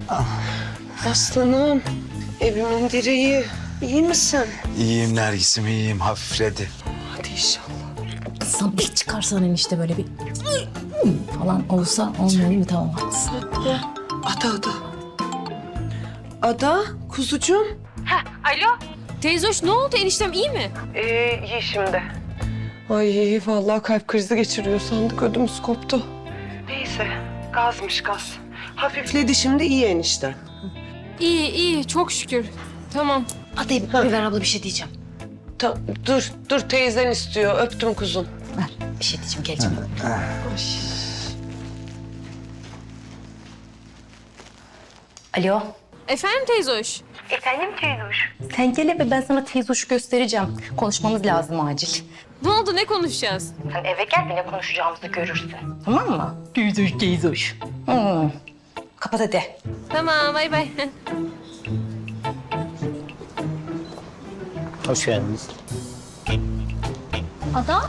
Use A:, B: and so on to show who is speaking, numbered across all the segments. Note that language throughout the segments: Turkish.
A: Aslanım, evimin direği. İyi misin?
B: İyiyim Nergis'im, iyiyim. Hafifledi.
A: Hadi inşallah.
C: Kızım bir çıkarsan enişte böyle bir falan olsa olmuyor mu? Tamam haklısın.
A: Ada. Ada, kuzucuğum.
D: Alo. Teyzoş ne oldu? Eniştem iyi mi?
A: İyi şimdi. Ay vallahi kalp krizi geçiriyor sandık, ödümüz koptu. Neyse, gazmış gaz. Hafifledi şimdi, iyi enişte.
D: İyi çok şükür. Tamam.
C: Hadi bir ver abla, bir şey diyeceğim.
A: Dur teyzen istiyor, öptüm kuzum.
C: Ver bir şey diyeceğim, geleceğim. Alo.
D: Efendim teyzoş?
C: Sen gel eve, ben sana teyzoşu göstereceğim. Konuşmamız lazım acil.
D: Ne oldu? Ne konuşacağız?
C: Sen eve gel, ne konuşacağımızı görürsün. Tamam mı? Teyzoş. Kapat hadi.
D: Tamam bay bay.
E: Hoş geldiniz.
C: Ada?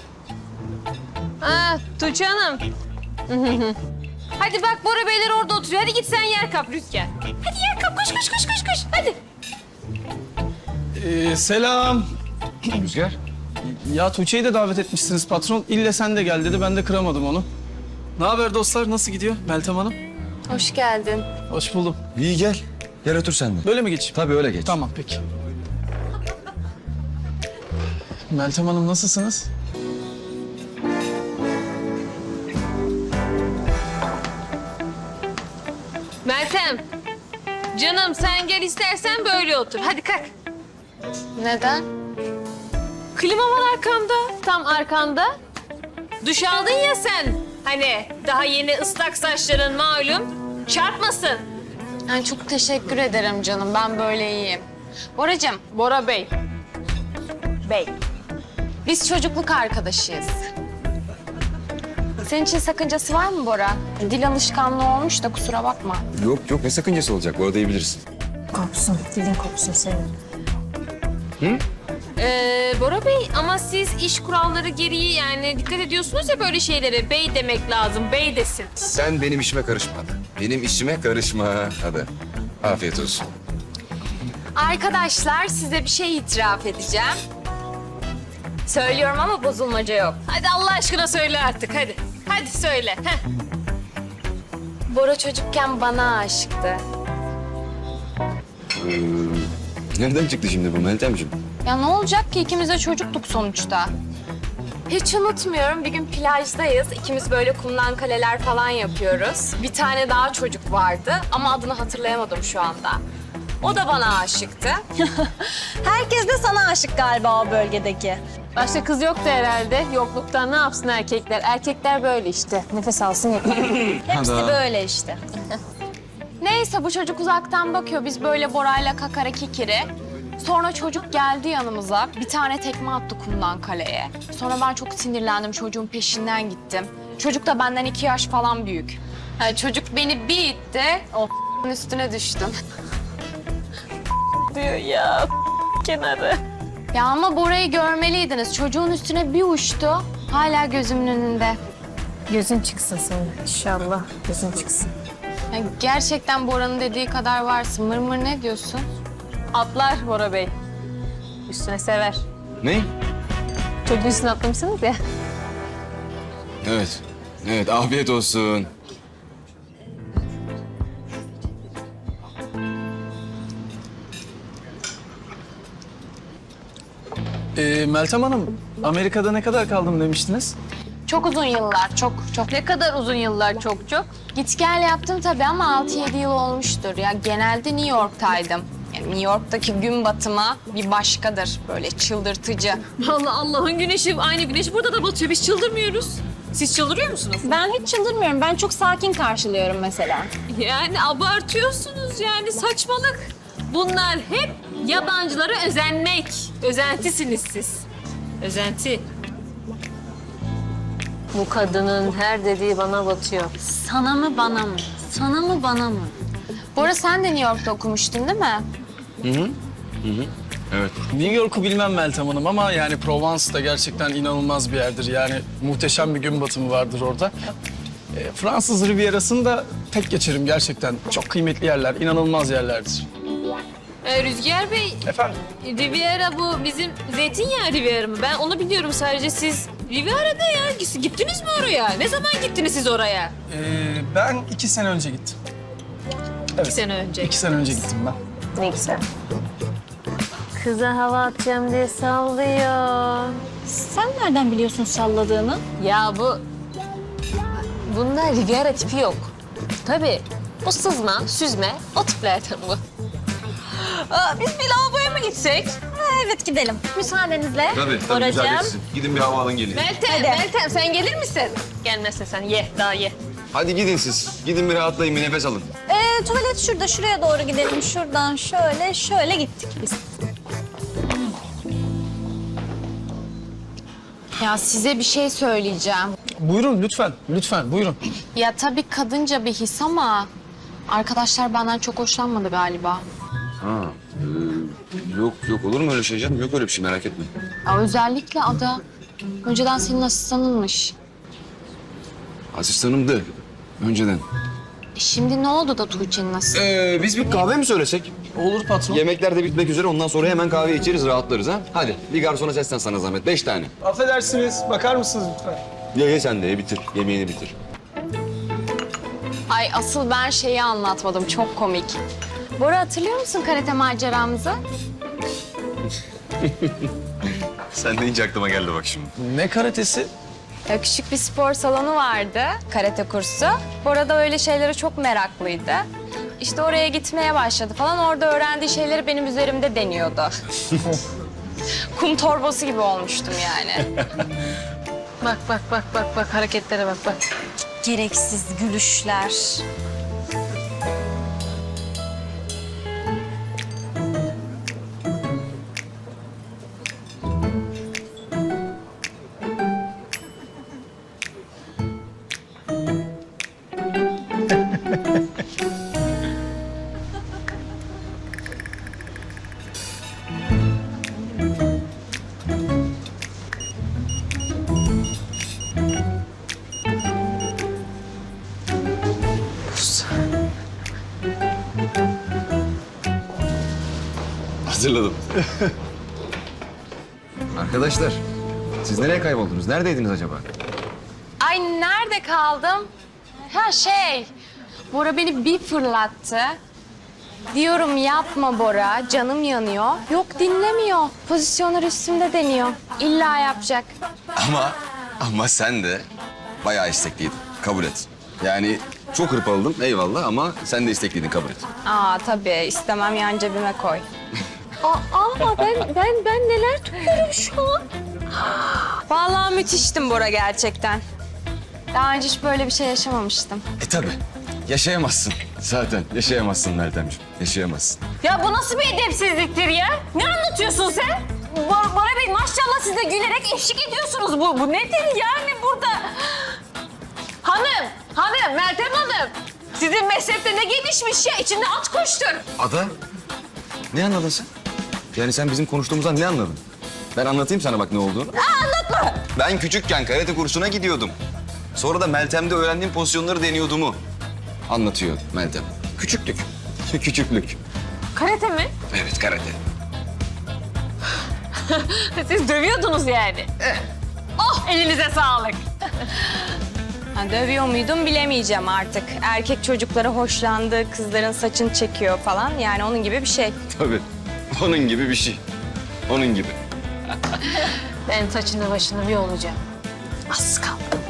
D: Tuğçe Hanım. Hadi bak Bora Beyler orada oturuyor. Hadi git sen yer kap Rüzgar. Hadi yer kap. Koş. Hadi.
F: Selam.
B: Rüzgar.
F: Ya Tuğçe'yi de davet etmişsiniz patron. İlle sen de gel dedi. Ben de kıramadım onu. Ne haber dostlar? Nasıl gidiyor Meltem Hanım?
D: Hoş geldin.
F: Hoş buldum.
B: İyi gel. Gel otur sen de.
F: Böyle mi geçeyim?
B: Tabii öyle geç.
F: Tamam peki. Meltem Hanım nasılsınız?
D: Meltem. Canım sen gel istersen böyle otur. Hadi kalk.
G: Neden?
D: Klima var arkamda. Tam arkanda. Duş aldın ya sen. Hani daha yeni ıslak saçların malum. Çarpmasın.
G: Yani çok teşekkür ederim canım. Ben böyle iyiyim. Boracığım,
D: Bora Bey.
G: biz çocukluk arkadaşıyız. Senin için sakıncası var mı Bora? Dil alışkanlığı olmuş da kusura bakma.
H: Yok ne sakıncası olacak, bu arada iyi bilirsin.
C: Kopsun, dilin kopsun senin.
D: Bora Bey ama siz iş kuralları gereği yani dikkat ediyorsunuz ya böyle şeylere. Bey demek lazım. Bey desin.
H: Sen benim işime karışma Ada. Benim işime karışma Ada. Afiyet olsun.
G: Arkadaşlar size bir şey itiraf edeceğim. Söylüyorum ama bozulmaca yok.
D: Hadi Allah aşkına söyle artık hadi. Hadi söyle. Heh.
G: Bora çocukken bana aşıktı.
H: Nereden çıktı şimdi bu Meltemciğim?
G: Ya ne olacak ki ikimiz de çocuktuk sonuçta. Hiç unutmuyorum bir gün plajdayız. İkimiz böyle kumdan kaleler falan yapıyoruz. Bir tane daha çocuk vardı ama adını hatırlayamadım şu anda. O da bana aşıktı.
I: Herkes de sana aşık galiba o bölgedeki.
D: Başka kız yoktu herhalde. Yokluktan ne yapsın erkekler? Erkekler böyle işte. Nefes alsın yeter.
I: Hepsi böyle işte.
G: Neyse bu çocuk uzaktan bakıyor. Biz böyle Bora'yla kakara kikiri. Sonra çocuk geldi yanımıza. Bir tane tekme attı kumdan kaleye. Sonra ben çok sinirlendim. Çocuğun peşinden gittim. Çocuk da benden 2 yaş falan büyük. Yani çocuk beni bir itti. O üstüne düştüm.
D: Diyor ya kenarı.
G: Ya ama Bora'yı görmeliydiniz. Çocuğun üstüne bir uçtu. Hala gözümün önünde.
C: Gözün çıksın senin. İnşallah gözün çıksın.
G: Ya gerçekten Bora'nın dediği kadar varsın. Mırmır ne diyorsun?
D: Atlar Bora Bey. Üstüne sever.
H: Ne?
D: Çocuğun üstüne atlamışsınız ya.
H: Evet afiyet olsun.
F: Meltem Hanım, Amerika'da ne kadar kaldım demiştiniz?
G: Çok uzun yıllar, çok.
D: Ne kadar uzun yıllar çok.
G: Git gel yaptım tabii ama 6-7 yıl olmuştur. Ya genelde New York'taydım. Yani New York'taki gün batımı bir başkadır. Böyle çıldırtıcı.
D: Allah Allah'ın güneşi aynı güneş burada da batıyor. Biz çıldırmıyoruz. Siz çıldırıyor musunuz?
I: Ben hiç çıldırmıyorum. Ben çok sakin karşılıyorum mesela.
D: Yani abartıyorsunuz yani saçmalık. Bunlar hep yabancılara özenmek. Özentisiniz siz. Özenti. Bu kadının her dediği bana batıyor.
I: Sana mı bana mı? Sana mı bana mı?
G: Bora sen de New York'ta okumuştun değil mi?
H: Evet.
F: New York'u bilmem Meltem Hanım ama yani Provence da gerçekten inanılmaz bir yerdir. Yani muhteşem bir gün batımı vardır orada. Fransız Riviera'sını da tek geçerim gerçekten. Çok kıymetli yerler, inanılmaz yerlerdir.
D: Rüzgar Bey,
F: Efendim?
D: Riviera bu bizim zeytinyağı Riviera mı? Ben onu biliyorum sadece. Siz Riviera'da ya. Gittiniz mi oraya? Ne zaman gittiniz siz oraya?
F: Ben 2 sene önce gittim. Evet.
D: 2 sene önce.
F: 2 sene önce gittim ben.
D: Ne güzel. Kıza hava atacağım diye sallıyor.
I: Sen nereden biliyorsun salladığını?
D: Ya bunda Riviera tipi yok. Tabii. Bu sızma, süzme, o tiplerden bu. Biz bir lavaboya mı gitsek?
I: Evet gidelim. Müsaadenizle.
H: Tabii
I: Boracığım.
H: Gidin bir hava alın gelin.
D: Meltem sen gelir misin? Gelmezsen sen ye, daha ye.
H: Hadi gidin siz. Gidin bir rahatlayın, bir nefes alın.
I: Tuvalet şurada. Şuraya doğru gidelim. Şuradan şöyle gittik biz.
G: Ya size bir şey söyleyeceğim.
F: Buyurun lütfen, lütfen buyurun.
G: Ya tabii kadınca bir his ama arkadaşlar benden çok hoşlanmadı galiba.
H: Ha, yok olur mu öyle şey canım? Yok öyle bir şey, merak etme.
G: Ya özellikle Ada. Önceden senin asistanınmış.
H: Asistanımdı önceden.
G: Şimdi ne oldu da Tuğçe'nin asistanı?
H: Biz bir kahve mi söylesek?
F: Olur patron.
H: Yemekler de bitmek üzere, ondan sonra hemen kahve içeriz, rahatlarız ha. Hadi bir garsona seslen sana zahmet, 5 tane.
F: Affedersiniz, bakar mısınız lütfen?
H: Ye sen de ye, bitir. Yemeğini bitir.
G: Ay asıl ben şeyi anlatmadım. Çok komik. Bora hatırlıyor musun karate maceramızı?
H: Sen de ince aklıma geldi bak şimdi.
F: Ne karatesi?
G: Ya küçük bir spor salonu vardı, karate kursu. Bora da öyle şeylere çok meraklıydı. İşte oraya gitmeye başladı falan. Orada öğrendiği şeyleri benim üzerimde deniyordu. Kum torbası gibi olmuştum yani.
D: Bak hareketlere bak.
I: Gereksiz gülüşler.
H: Hazırladım. Arkadaşlar, siz nereye kayboldunuz? Neredeydiniz acaba?
G: Ay nerede kaldım? Ha Bora beni bir fırlattı. Diyorum yapma Bora, canım yanıyor. Yok dinlemiyor. Pozisyonlar üstümde deniyor. İlla yapacak.
H: Ama sen de bayağı istekliydin. Kabul et. Yani çok hırpaladım eyvallah ama sen de istekliydin, kabul et.
G: Aa tabii istemem yan cebime koy.
I: Ben neler duyuyorum şu an?
G: Vallahi müthiştim Bora gerçekten. Daha önce hiç böyle bir şey yaşamamıştım.
H: Tabii. Yaşayamazsın. Zaten yaşayamazsın Meltemciğim. Yaşayamazsın.
D: Ya bu nasıl bir edepsizliktir ya? Ne anlatıyorsun sen? Bora Bey maşallah siz de gülerek eşlik ediyorsunuz. Bu nedir yani burada? Hanım, Meltem Hanım. Sizin meslekte ne gelişmiş ya? İçinde at koştur.
H: Ada, ne anladın sen? Yani sen bizim konuştuğumuzdan ne anladın? Ben anlatayım sana bak ne olduğunu. Anlatma. Ben küçükken karate kursuna gidiyordum. Sonra da Meltem'de öğrendiğim pozisyonları deniyordumu anlatıyor Meltem. Küçüklük. Küçüklük.
D: Karate mi?
H: Evet, karate.
D: Siz dövüyordunuz yani. Oh elinize sağlık.
G: Ha, dövüyor muydum bilemeyeceğim artık. Erkek çocukları hoşlandı, kızların saçını çekiyor falan. Yani onun gibi bir şey.
H: Tabii. Onun gibi bir şey. Onun gibi.
D: Ben saçını başını bir olacağım. Az kaldı.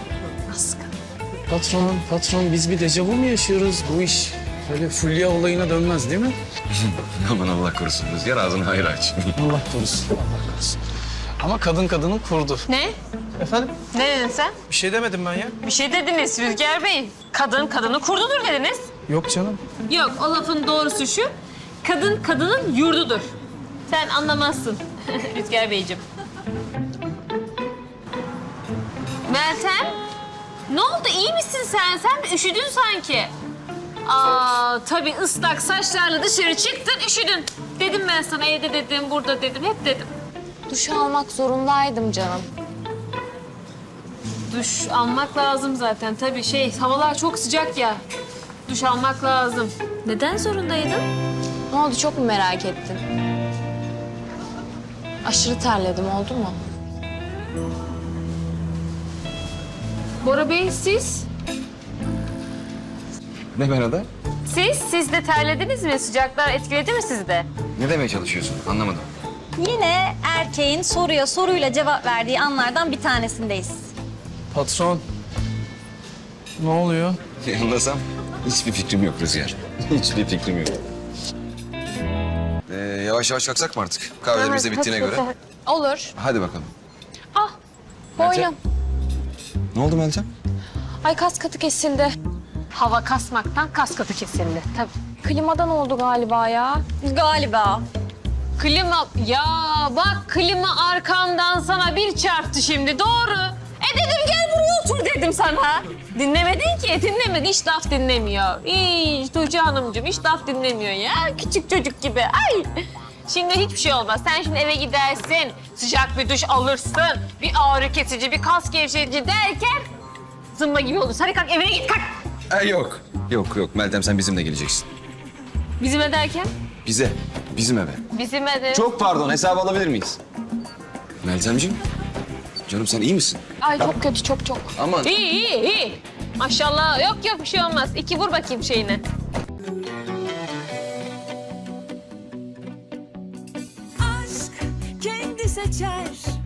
F: Patron biz bir dejavu mu yaşıyoruz? Bu iş böyle Fulya olayına dönmez değil mi?
H: Aman Allah korusun Rüzgar, ağzını hayır aç.
F: Allah korusun, Allah korusun. Ama kadın kadının kurdu.
D: Ne?
F: Efendim?
D: Ne dedin sen?
F: Bir şey demedim ben ya.
D: Bir şey dediniz Rüzgar Bey. Kadın kadını kurdudur dediniz.
F: Yok canım.
D: Yok, o lafın doğrusu şu. Kadın kadının yurdudur. Sen anlamazsın Rüzgar Beyciğim. Meltem, ne oldu? İyi misin sen? Sen bir üşüdün sanki. Tabii ıslak saçlarla dışarı çıktın, üşüdün. Dedim ben sana, evde dedim, burada dedim, hep dedim.
G: Duş almak zorundaydım canım.
D: duş almak lazım zaten. Tabii havalar çok sıcak ya. Duş almak lazım. Neden zorundaydın?
G: Ne oldu, çok mu merak ettin? Aşırı terledim, oldu mu?
D: Bora Bey siz?
H: Ne ben ada?
D: Siz de terlediniz mi? Sıcaklar etkiledi mi sizi de?
H: Ne demeye çalışıyorsun? Anlamadım.
I: Yine erkeğin soruya soruyla cevap verdiği anlardan bir tanesindeyiz.
F: Patron. Ne oluyor?
H: Anlasam hiçbir fikrim yok Rüzgar. Hiçbir fikrim yok. Yavaş yavaş kalksak mı artık? Kahvelerimiz de bittiğine göre.
G: Olur.
H: Hadi bakalım.
G: Ah, boynum.
H: Ne oldu Meltem?
G: Ay, kas katı kesildi.
D: Hava kasmaktan kas katı kesildi. Tabii.
G: Klimadan oldu galiba ya.
I: Galiba.
D: Klima, ya bak klima arkamdan sana bir çarptı şimdi, doğru. Dedim gel buraya otur dedim sana. Dinlemedin ki, hiç laf dinlemiyor. Hiç Tuğçe Hanımcığım hiç laf dinlemiyor ya, küçük çocuk gibi. Ay. Şimdi hiçbir şey olmaz. Sen şimdi eve gidersin, sıcak bir duş alırsın, bir ağrı kesici, bir kas gevşetici derken zımba gibi olursun. Hadi kalk, evine git, kalk.
H: Yok. Yok Meltem sen bizimle geleceksin.
D: Bizim derken?
H: Bize. Bizim eve.
D: Bizim de.
H: Çok pardon hesabı alabilir miyiz? Meltemciğim. Canım sen iyi misin?
G: Ay çok kötü, çok.
H: Aman.
D: İyi. Maşallah, yok bir şey olmaz. 2 vur bakayım şeyine.
E: aşk kendi seçer